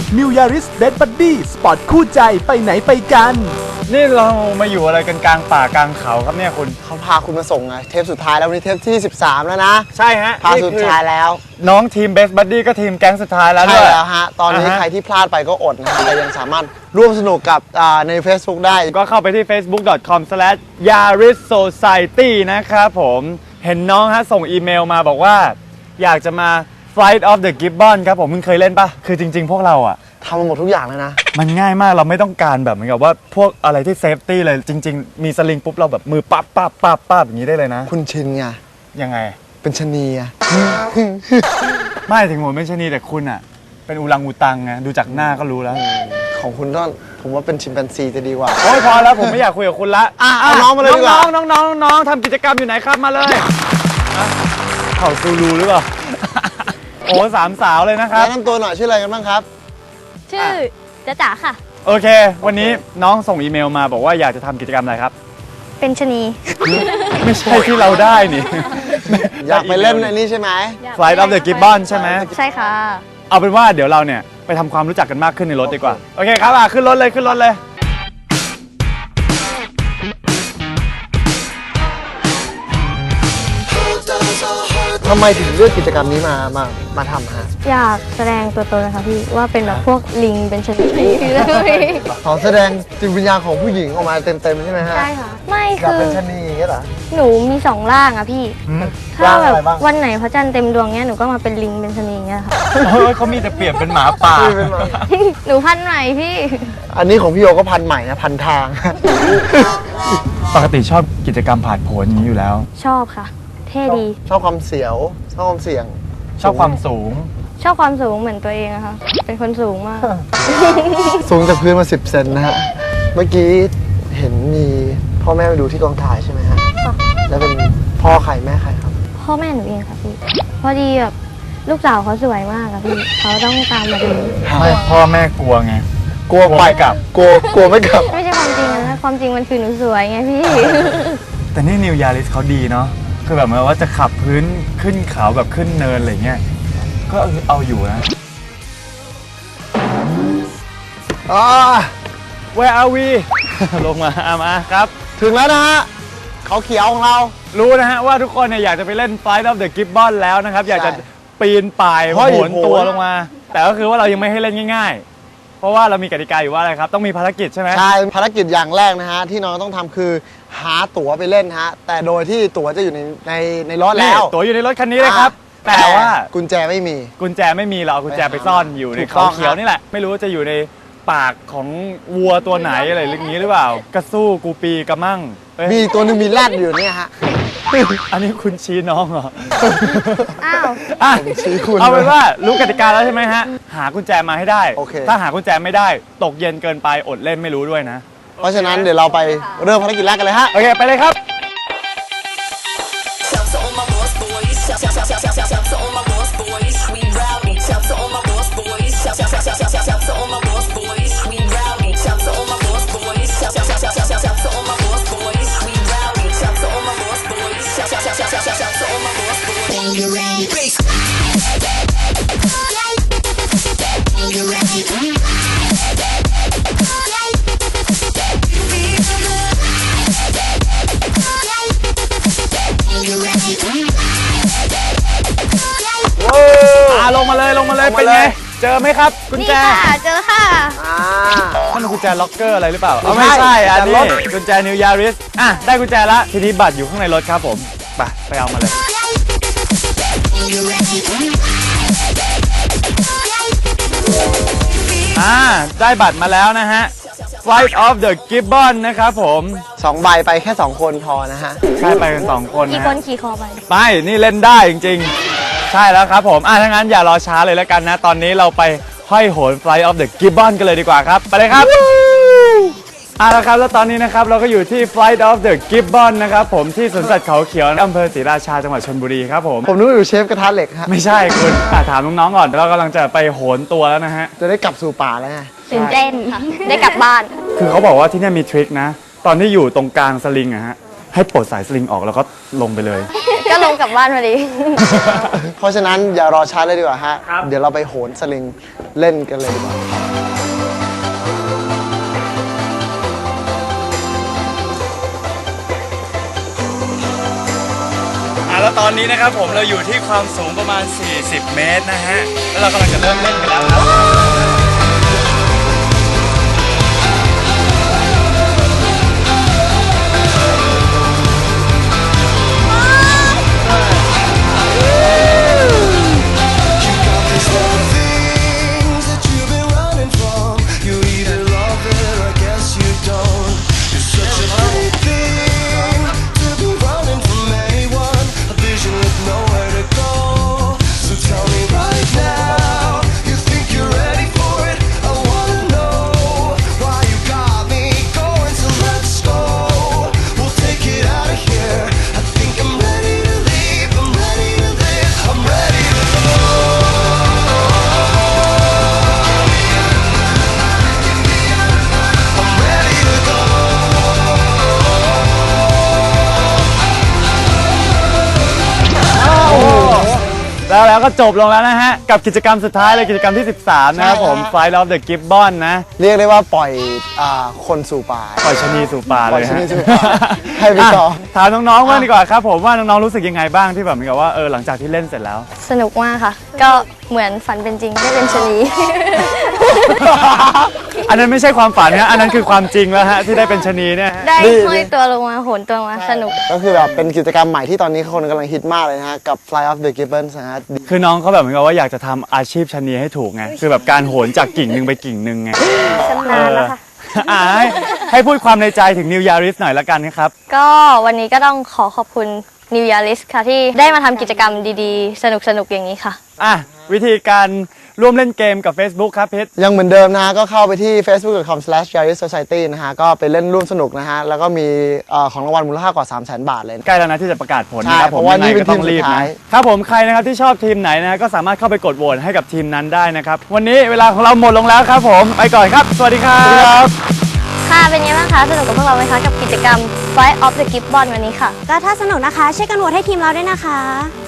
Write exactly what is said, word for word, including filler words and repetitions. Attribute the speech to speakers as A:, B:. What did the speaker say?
A: New Yaris Best Buddy สปอร์ตคู่ใจไปไหนไปกัน
B: นี่เรามาอยู่อะไรกันกลางป่ากลางเขาครับเนี่ยคุณ
C: เขาพาคุณมาส่งไงเทปสุดท้ายแล้ววันนี้เทปที่สิบสามแล้วนะ
B: ใช่ฮะ
C: พาสุดท้ายแล้ว
B: น้องทีม Best Buddy ก็ทีมแก๊งสุดท้ายแล้ว
C: ใช่แล้วฮะตอนนี้ใครที่พลาดไปก็อดนะฮะแต่ยังสามารถร่วมสนุกกับใน Facebook ได้
B: ก็เข้าไปที่ เฟซบุ๊ก ดอท คอม สแลช ยาริส โซไซตี้ นะครับผมเห็นน้องฮะส่งอีเมลมาบอกว่าอยากจะมา Flight of the Gibbon ครับผมมึงเคยเล่นปะคือจริงๆพวกเราอะ
C: ทำมาหมดทุกอย่างเลยนะ
B: มันง่ายมากเราไม่ต้องการแบบเหมือนกับว่าพวกอะไรที่เซฟตี้เลยจริงๆมีสลิงปุ๊บเราแบบมือปั๊บปั๊บปั๊บปั๊บอย่างนี้ได้เลยนะ
C: คุณชินไง
B: ยังไง
C: เป็นชนีอะ
B: ไม่ถึงผมเป็นชนีแต่คุณอะเป็นอูรังอูตังไงดูจากหน้าก็รู้แล้ว
C: ของคุณต้องผมว่าเป็นชิมแปนซีจะดีกว่า
B: โอ้ยพอแล้วผมไม่อยากคุยกับคุณละ
C: อ่ะน้องมาเลยดีกว่า
B: น้องน้องน้องทำกิจกรรมอยู่ไหนครับมาเลยเข่าซูรูหรือเปล่าโอ้สามสาวเลยนะครับ
C: แนะนำตัวหน่อยชื่ออะไรกันบ้างครับ
D: ชื่อจ๊ะจ๋าค่ะ
B: โอเควันนี้น้องส่งอีเมลมาบอกว่าอยากจะทำกิจกรรมอะไรครับ
D: เป็นชนี
B: ไม่ใช่ที่เราได้นี่
C: อยากไปเล่นในนี้ใช่ไหม
B: Flight of the Gibbon ใช่ไหม
D: ใช่ค่ะ
B: เอาเป็นว่าเดี๋ยวเราเนี่ยไปทำความรู้จักกันมากขึ้นในรถดีกว่าโอเคครับอ่ะขึ้นรถเลยขึ้นรถเลย
C: ทำไมถึงเลือกกิจกรรมนี้มามามาทำฮะ
D: อยากแสดงตัวตนนะคะพี่ว่าเป็นแบบพวกลิงเป็นชนิด
C: ขอแสดงจิตวิญญาณของผู้หญิงออกมาเต็มๆใช่ไหมฮะ
D: ใช่ค่ะไม่
C: คือ
D: คือ
C: เป็นชนีอย่างเงี้ยเหรอ
D: หนูมีสองร่างอะพี่ถ้าแบบวันไหนพระจันทร์เต็มดวงเนี้ยหนูก็มาเป็นลิงเป็นชนีอย่างเงี้ยค่ะ
B: เฮ้ยเขามีแต่เปลี่ยนเป็นหมาป่า
D: หนูพันใหม่พี่
C: อันนี้ของพี่โยก็พันใหม่นะพันทาง
B: ปกติชอบกิจกรรมผ่านผลอย่างนี้อยู่แล้ว
D: ชอบค่ะเท่ดี
C: ชอบความเสียวชอบความเสี่ยง
B: ชอบความสูง
D: ชอบความสูงเหมือนตัวเองอะค่ะเป็นคนสูงมาก
C: สูงจากพื้นมาสิบเซนนะฮะเมื่อกี้เห็นมีพ่อแม่มาดูที่กองถ่ายใช่ไหมฮะแล้วเป็นพ่อใครแม่ใครครับ
D: พ่อแม่หนูเองค่ะพี่พอดีแบบลูกสาวเขาสวยมากอะพี่เขาต้องตามมาดู
B: ไม่พ่อแม่กลัวไง
C: กลัวไปกลับกลัวกลัวไม่กลับ
D: ไม่ใช่ความจริงนะความจริงมันคือหนูสวยไงพี่
B: แต่นี่นิวยาริสเขาดีเนาะคือแบบเหมือนว่าจะขับพื้นขึ้นเขาแบบขึ้นเนินอะไรเงี้ยก็เอาอยู่นะ
C: อ่า
B: Where are we ลงมาอามาครับ
C: ถึงแล้วนะฮะเขาเขียวของเรา
B: รู้นะฮะว่าทุกคนเนี่ยอยากจะไปเล่น Flight of the Gibbon แล้วนะครับอยากจะปีนป่ายโหนตัวลงมาแต่ก็คือว่าเรายังไม่ให้เล่นง่ายๆเพราะว่าเรามีกติกาอยู่ว่าอะไรครับต้องมีภารกิจใช่ไหม
C: ใช่ภารกิจอย่างแรกนะฮะที่น้องต้องทำคือหาตั๋วไปเล่นฮะแต่โดยที่ตั๋วจะอยู่ในในในรถแล้ว
B: ตั๋วอยู่ในรถคันนี้เลยครับแต่ว่า
C: กุญแจไม่มี
B: กุญแจไม่มีเราเอากุญแจไปซ่อนอยู่ในเขาเขียวนี่แหละไม่รู้จะอยู่ในปากของวัวตัวไหนอะไรอย่างนี้หรือเปล่ากระสู้กูปีกระมั่ง
C: มีตัวนึงมีแรดอยู่เนี่ยฮะ
B: อันนี้คุณชี้น้องเหรอ
D: อ้าว
C: ชี้คุณ
B: เอาเป็นว่ารู้กติกาแล้วใช่ไหมฮะหากุญแจมาให้ได้
C: okay.
B: ถ้าหากุญแจไม่ได้ตกเย็นเกินไปอดเล่นไม่รู้ด้วยนะ
C: เพราะฉะนั้นเดี๋ยวเราไปเริ่มภารกิจแรกกันเลยฮะ
B: โอเคไปเลยครับลงมาเลยลงมาเลยเป็นไงเจอไหมครับกุญแจ
D: นี่ค่ะเจอค่ะ
B: มันกุญแจล็อกเกอร์อะไรหรือเปล่าไม่ใช่อันนี้กุญแจนิวยาริสอ่ะได้กุญแจละทีนี้บัตรอยู่ข้างในรถครับผมไปไปเอามาเลยอ่าได้บัตรมาแล้วนะฮะ Flight of the Gibbon นะครับผม
C: สองใบไปแค่สองคนพอนะฮะ
B: ใช่ไปกันสองคน
D: กี่คนขี่คอไป
B: ไปนี่เล่นได้จริงๆใช่แล้วครับผมอ่ะถ้างั้นอย่ารอช้าเลยแล้วกันนะตอนนี้เราไปห้อยโหน Flight of the Gibbon กันเลยดีกว่าครับไปเลยครับอ่ะแล้วครับแล้วตอนนี้นะครับเราก็อยู่ที่ Flight of the Gibbon นะครับผมที่สวนสัตว์เขาเขียวอำเภอศรีราชาจังหวัดชลบุรีครับผม
C: ผมนึกว่าอยู่เชฟกระทะเหล็กฮะ
B: ไม่ใช่คุณถามน้องๆก่อนเรากำลังจะไปโหนตัวแล้วนะฮะ
C: จะได้กลับสู่ป่าแล้วไง
D: ตื่นเต้นค่ะได้กลับบ้าน
B: คือเขาบอกว่าที่นี่มีทริคนะตอนที่อยู่ตรงกลางสลิงอะฮะให้ปลดสายสลิงออกแล้วก็ลงไปเลย
D: ก็ลงกลับบ้านพอดี
C: เพราะฉะนั้นอย่ารอช้าเลยดีกว่าฮะ
B: ครับ
C: เดี๋ยวเราไปโหนสลิงเล่นกันเลยดีกว่า
B: อ่ะแล้วตอนนี้นะครับผมเราอยู่ที่ความสูงประมาณ สี่สิบ เมตรนะฮะ แล้วเรากำลังจะเริ่มเล่นกันแล้วครับแล้วแล้วก็จบลงแล้วนะฮะ กับกิจกรรมสุดท้ายเลยกิจกรรมที่ สิบสาม นะครับผม Flight of the Gibbon นะ
C: เรียกได้ว่าปล่อยอ่าคนสู่ป่า
B: ปล่อยชะนีสู่ป่าเลย
C: ปล่อยชะ
B: ฮะ
C: นีสู่ป่าให้ไปต่อ
B: ะถามน้องๆบ้างดีกว่าครับผมว่าน้องๆรู้สึกยังไงบ้างที่แบบเหมือนกับว่าเออหลังจากที่เล่นเสร็จแล้ว
D: สนุกมากค่ะ ก็เหมือนฝันเป็นจริงได้เป็นชะนี
B: อันนั้นไม่ใช่ความฝันนะอันนั้นคือความจริงแล้วฮะที่ได้เป็นชะนีเนี่ยฮะ
D: ได้
C: ดี
D: ห้อยตัวลงมาโหนตัวมาสนุก
C: ก็คือแบบเป็นกิจกรรมใหม่ที่ตอนนี้คนกำลังฮิตมากเลยนะฮะ กับ Fly of the Gibbons นะฮะ
B: คือน้องเขาแบบเหมือนกับว่าอยากจะทำอาชีพชะนีให้ถูกไงคือแบบการโหนจากกิ่งหนึ่งไปกิ่งหนึ่งไง
D: ชำนาญแล้วค่ะ
B: อ่าให้ให้พูดความในใจถึง New Yaris หน่อยละกันนะครับ
D: ก็วันนี้ก็ต้องขอขอบคุณ New Yaris ค่ะที่ได้มาทำกิจกรรมดีๆ สนุกๆ อย่างนี้ค่ะ
B: อ่ะวิธีการร่วมเล่นเกมกับ Facebook ครับเพชร
C: ยังเหมือนเดิมนะฮะ ก็เข้าไปที่ เฟซบุ๊ก ดอท คอม สแลช ยาริส โซไซตี้ นะฮะ ก็ไปเล่นร่วมสนุกนะฮะ แล้วก็มีเอ่อของรางวัลมูลค่ากว่า สามแสน บาทเลย
B: ใกล้แล้วนะที่จะประกาศผล
C: ใช่
B: นะครับผม
C: เพราะว่า
B: ยังไง
C: นี่เป็น
B: ก็ต้องรีบ
C: ทีมสุด
B: นะ
C: ท้าย
B: ครับผมใครนะครับที่ชอบทีมไหนนะก็สามารถเข้าไปกดโหวตให้กับทีมนั้นได้นะครับวันนี้เวลาของเราหมดลงแล้วครับผมไปก่อนครับ สวัสดีครับ
D: ค่ะ เป็นไงบ้างคะ สนุกกับพวกเราไหมคะ กับกิจกรรม Flight of the Gibbon วันนี้ค่ะ
E: ก็ถ้าสนุกนะคะ ช่วยกันโหวตให้ทีมเราด้วยนะคะ